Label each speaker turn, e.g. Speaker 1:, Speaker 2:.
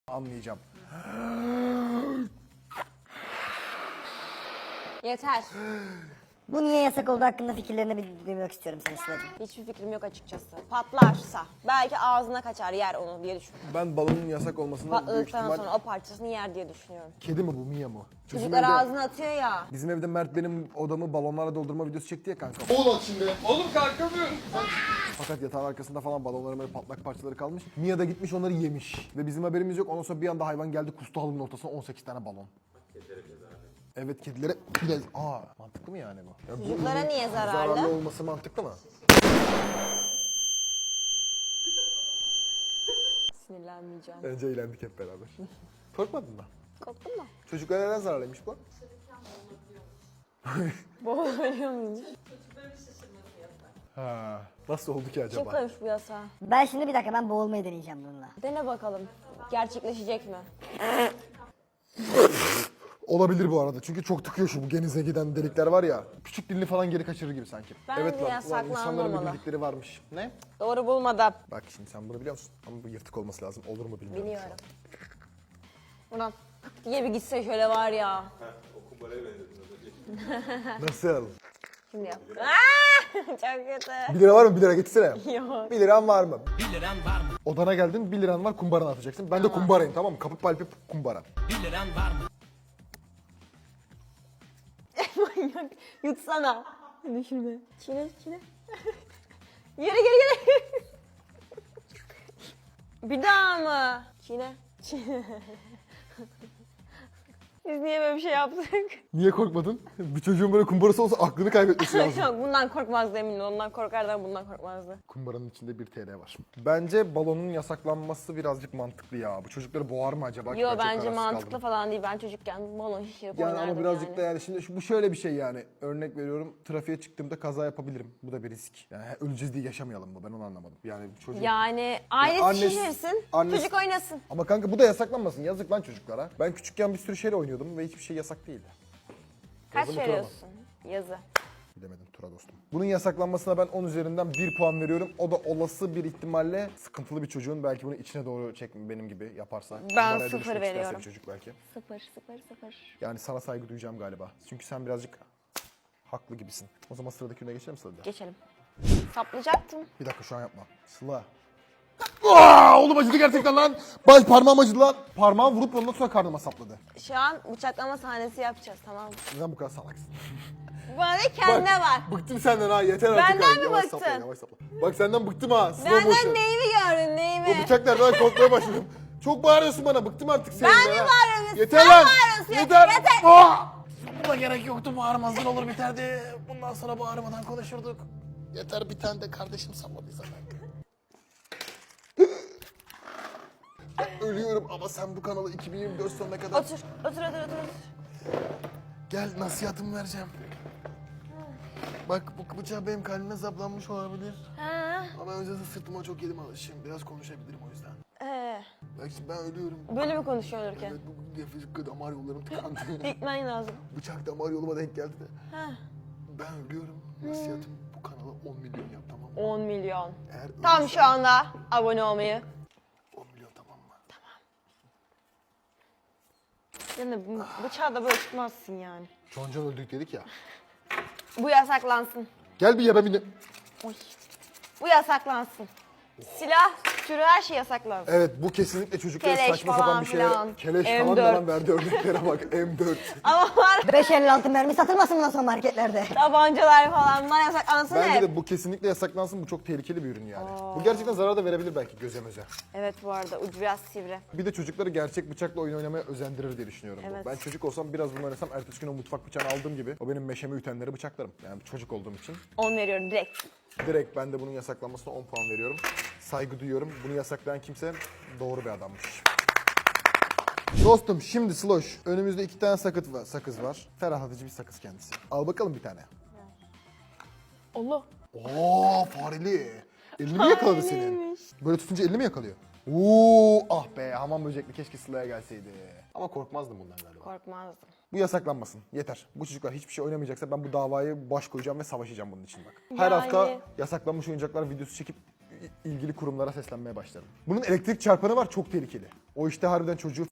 Speaker 1: anlayacağım.
Speaker 2: Yeter.
Speaker 3: Bu niye yasak olduğu hakkında fikirlerini duymak istiyorum senin Sıla'cığım.
Speaker 2: Hiçbir fikrim yok açıkçası. Patlarsa belki ağzına kaçar yer onu diye düşünüyorum.
Speaker 1: Ben balonun yasak olmasını büyük
Speaker 2: Patladıktan
Speaker 1: ihtimal...
Speaker 2: sonra o parçasını yer diye düşünüyorum.
Speaker 1: Kedi mi bu, Mia mı?
Speaker 2: Çocuklar ağzına atıyor ya.
Speaker 1: Bizim evde Mert benim odamı balonlarla doldurma videosu çekti ya kanka.
Speaker 4: Oğlum şimdi. Oğlum kalkamıyorum.
Speaker 1: Fakat yatağın arkasında falan balonların böyle patlak parçaları kalmış. Mia da gitmiş onları yemiş. Ve bizim haberimiz yok. Ondan sonra bir anda hayvan geldi kustu halının ortasına 18 tane balon. Evet, kedilere bile... Mantıklı mı yani bu? Ya
Speaker 2: Çocuklara
Speaker 1: bunun
Speaker 2: niye zararlı?
Speaker 1: Zararlı olması mantıklı mı?
Speaker 2: Sinirlenmeyeceğim.
Speaker 1: Bence eğlendik hep beraber. Korkmadın mı?
Speaker 2: Korktun mu?
Speaker 1: Çocuklara neden zararlıymış bu?
Speaker 2: Boğulabiliyor muyum?
Speaker 1: Ha. Nasıl oldu ki
Speaker 2: Kim
Speaker 1: acaba?
Speaker 2: koymuş bu yasağı?
Speaker 3: Ben şimdi bir dakika boğulmayı deneyeceğim bununla.
Speaker 2: Dene bakalım. Gerçekleşecek mi?
Speaker 1: Olabilir bu arada. Çünkü çok tıkıyor şu bu genize giden delikler var ya. Küçük dilini falan geri kaçırır gibi sanki.
Speaker 2: Bence
Speaker 1: evet lan,
Speaker 2: yasaklanmamalı.
Speaker 1: insanların bir bildikleri varmış. Ne?
Speaker 2: Doğru bulmadım.
Speaker 1: Bak şimdi sen bunu biliyor musun? Ama bu yırtık olması lazım. Olur mu bilmiyorum.
Speaker 2: Biliyorum. Buradan diye bir gitse şöyle var ya.
Speaker 1: Nasıl?
Speaker 2: Şimdi yap. Çok kötü.
Speaker 1: 1 lira var mı? 1 lira getirsene.
Speaker 2: Yok.
Speaker 1: 1 liran var mı? 1 liran var mı? Odana geldin, 1 liran var, kumbaranı atacaksın. Ben de kumbarayım, tamam mı? Kapı palpi kumbara.
Speaker 5: 1 liran var mı?
Speaker 2: Manyak. Yutsana. Hadi şurada. Çiğne. Yürü. Bir daha mı? Çiğne. Biz niye böyle bir şey yaptık?
Speaker 1: Niye korkmadın? Bir çocuğun böyle kumbarası olsa aklını kaybetmesi lazım.
Speaker 2: Yok, bundan korkmazdı eminim. Ondan korkardan bundan korkmazdı.
Speaker 1: Kumbaranın içinde 1 TL var. Bence balonun yasaklanması birazcık mantıklı ya. Bu çocukları boğar mı acaba?
Speaker 2: Yo
Speaker 1: Ben çok
Speaker 2: bence
Speaker 1: kararsız
Speaker 2: mantıklı
Speaker 1: kaldım.
Speaker 2: falan değil. Ben çocukken balon şişirip
Speaker 1: Yani
Speaker 2: oynardım
Speaker 1: ama birazcık
Speaker 2: yani.
Speaker 1: da yani şimdi bu şöyle bir şey yani. Örnek veriyorum, trafiğe çıktığımda kaza yapabilirim. Bu da bir risk. Yani öleceğiz diye yaşamayalım mı? Ben onu anlamadım. Yani çocuk...
Speaker 2: Yani ailesi
Speaker 1: annesi-
Speaker 2: şişirsin,
Speaker 1: annesi-
Speaker 2: çocuk oynasın.
Speaker 1: Ama kanka bu da yasaklanmasın. Yazık lan çocuklara. Ben küçükken bir sürü şeyle oynuyordum ve hiçbir şey yasak değildi.
Speaker 2: Kaç
Speaker 1: Yazı mı, tura mı?
Speaker 2: veriyorsun? Yazı.
Speaker 1: Bilemedim Tura dostum. Bunun yasaklanmasına ben 10 üzerinden 1 puan veriyorum. O da olası bir ihtimalle sıkıntılı bir çocuğun belki bunu içine doğru çekme benim gibi yaparsa. Kumbara
Speaker 2: 0
Speaker 1: dönüşmek isterse
Speaker 2: veriyorum.
Speaker 1: bir çocuk belki.
Speaker 2: 0.
Speaker 1: Yani sana saygı duyacağım galiba. Çünkü sen birazcık haklı gibisin. O zaman sıradaki ürüne geçelim Sıla'da.
Speaker 2: Geçelim. Saplayacaktım.
Speaker 1: Bir dakika şu an yapma. Sıla. Oğlum acıdı gerçekten lan. Baş parmağım acıdı lan. Parmağım vurup ondan sonra karnıma sapladı.
Speaker 2: Şu an bıçaklama sahnesi yapacağız, tamam mı?
Speaker 1: Neden bu kadar salaksın?
Speaker 2: Bana kendine var.
Speaker 1: Bıktım senden ha, yeter artık.
Speaker 2: Benden
Speaker 1: ha.
Speaker 2: mi
Speaker 1: Yavaş
Speaker 2: bıktın?
Speaker 1: sapla, yavaş sapla. Bak senden bıktım ha. Slow
Speaker 2: Benden
Speaker 1: motion.
Speaker 2: neyimi gördün,
Speaker 1: O
Speaker 2: neyimi?
Speaker 1: bıçak nereden korkmaya başladım. Çok bağırıyorsun bana, bıktım artık seninle.
Speaker 2: Ben mi
Speaker 1: ha.
Speaker 2: bağırıyorum?
Speaker 1: Yeter
Speaker 2: Sen
Speaker 1: lan.
Speaker 2: bağırıyorsun.
Speaker 1: Yeter.
Speaker 2: Yeter.
Speaker 1: Buna gerek yoktu, bağırmazdın olur biterdi. Bundan sonra bağırmadan konuşurduk. Yeter, bir tane de kardeşim salladıysa ben. Ben ölüyorum ama sen bu kanalı 2024 sonuna kadar...
Speaker 2: Otur.
Speaker 1: Gel, nasihatımı vereceğim. Bak bu bıçak benim kalbime saplanmış olabilir.
Speaker 2: Ha.
Speaker 1: Ama öncesinde sırtıma çok yedim alışım. Biraz konuşabilirim o yüzden. Bak şimdi ben ölüyorum.
Speaker 2: Böyle mi konuşuyor olurken?
Speaker 1: Evet, bu nefes damar yollarım tıkandı.
Speaker 2: Dikmen lazım.
Speaker 1: Bıçak damar yoluma denk geldi de.
Speaker 2: Ha.
Speaker 1: Ben ölüyorum. Nasihatım bu kanala 10 milyon yap, tamam mı?
Speaker 2: 10 milyon.
Speaker 1: Eğer
Speaker 2: Tam
Speaker 1: ölürsen
Speaker 2: şu anda abone olmayı.
Speaker 1: 10 milyon, tamam mı?
Speaker 2: Yani bıçağı da böyle tutmazsın yani.
Speaker 1: Can öldük dedik ya.
Speaker 2: Bu yasaklansın.
Speaker 1: Gel bir yeme beni.
Speaker 2: Oy. Bu yasaklansın. Silah türü her şey yasaklansın.
Speaker 1: Evet, bu kesinlikle çocuklara
Speaker 2: Keleş
Speaker 1: saçma
Speaker 2: falan
Speaker 1: sapan bir şey.
Speaker 2: filan.
Speaker 1: Keleş
Speaker 2: M4.
Speaker 1: falan falan verdi örneklere bak. M4.
Speaker 2: Ama var
Speaker 3: 5.56 mermi satılmasın bundan sonra marketlerde.
Speaker 2: tabancalar falan bunlar yasaklansın
Speaker 1: Bence
Speaker 2: hep.
Speaker 1: de bu kesinlikle yasaklansın. Bu çok tehlikeli bir ürün yani. Bu gerçekten zarar da verebilir belki göze möze.
Speaker 2: Evet, bu arada ucu biraz sivri.
Speaker 1: Bir de çocukları gerçek bıçakla oyun oynamaya özendirir diye düşünüyorum. Bu.
Speaker 2: Evet.
Speaker 1: Ben çocuk olsam biraz bunu oynasam ertesi gün o mutfak bıçağını aldığım gibi o benim meşemi ütenleri bıçaklarım. Yani çocuk olduğum için.
Speaker 2: 10 veriyorum direkt.
Speaker 1: Direkt ben de bunun yasaklanmasına 10 puan veriyorum. Saygı duyuyorum. Bunu yasaklayan kimse doğru bir adammış. Dostum şimdi Sloş. Önümüzde 2 tane sakız var. Ferahlatıcı bir sakız kendisi. Al bakalım bir tane.
Speaker 2: Allah.
Speaker 1: Oo, fareli. Elini mi yakaladı senin? Böyle tutunca elini mi yakalıyor? Oo, ah be, hamam böcekli, keşke Sıla'ya gelseydi. Ama korkmazdım bundan galiba.
Speaker 2: Korkmazdım.
Speaker 1: Bu yasaklanmasın. Yeter. Bu çocuklar hiçbir şey oynamayacaksa ben bu davayı baş koyacağım ve savaşacağım bunun için bak. Her hafta yasaklanmış oyuncaklar videosu çekip ilgili kurumlara seslenmeye başlarım. Bunun elektrik çarpanı var, çok tehlikeli. O işte harbiden çocuğu